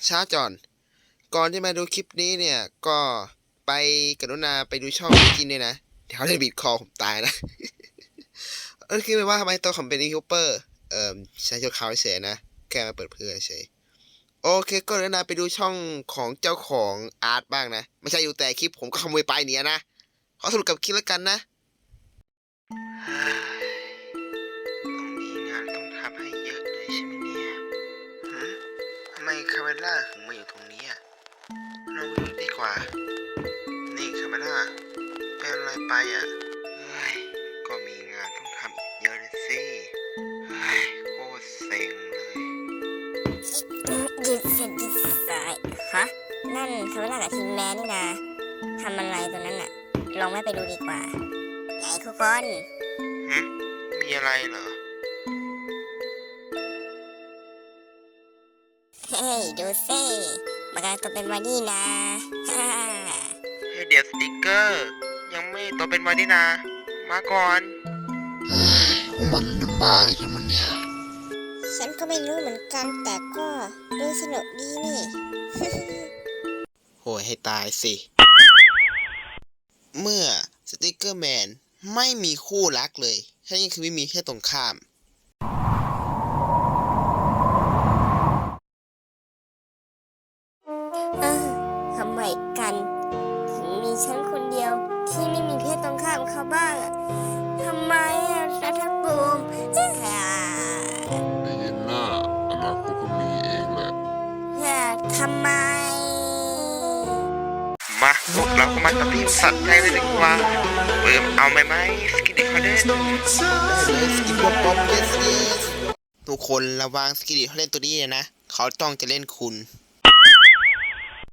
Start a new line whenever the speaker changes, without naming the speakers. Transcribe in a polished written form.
ช้าจอนก่อนที่มาดูคลิปนี้เนี่ยก็ไปกรุณาไปดูช่องพี่กินด้วยนะเดี๋ยวเขาจะบีดคอผมตายนะ คือไม่ว่าทำไมตัวผมเป็นยูทูบเบอร์ใช้ชั่วคราวเฉยนะแค่มาเปิดเผยเฉยโอเคก็กรุณาไปดูช่องของเจ้าของอาร์ตบ้างนะไม่ใช่อยู่แต่คลิปผมก็ขโมยไปเนี่ยนะขอสรุปกับคลิปแล้วกันนะต้องมีงานต้องทำให้เยอะเลยใช่ไหมเนี่ยทำไมคาเมล่าถึงมาอยู่ตรงนี้อ่ะเราไปดูดีกว่านี่คาเมล่าเป็นอะไรไปอ่ะก็มีงานต้องทำอีกเยอะเลยสิโคตรเซ็งเลย
ดิสไซฮะนั่นคาเมล่ากับทีมแมนนี่นะทำอะไรตัวนั้นน่ะลองไม่ไปดูดีกว่าไงทุกคน
มีอะไรเหรอ
เฮ้ยดูสิมันกำลังตัวเป็นวันนี้นะฮ่า
เดี๋ยวสติกเกอร์ยังไม่โตเป็นวันนี้นะมาก่อน
มันบ้าอะไรกันมันเนี่ย
ฉันก็ไม่รู้เหมือนกันแต่ก็ดูสนุกดีนี่
โหยให้ตายสิเมื่อสติกเกอร์แมนไม่มีคู่รักเลยแค่นี้คือไม่มีแค่ตรงข้าม
ทำไมกันถึงมีฉันคนเดียวที่ไม่มีเพศตรงข้ามเขาบ้างอะทำไมอะรัฐภูมิ
ไม่เห็นหน้าอนาคตก็มีเองแหละ
ทำไม
มาพวกเราก็มาตัดที่สัตว์ใจเลยดีกว่าเอาไหมสกิดเขาเล่นสกิดป๊อปเยสทุกคนระวังสกิดเขาเล่นตัวนี้เลยนะเขาต้องจะเล่นคุณ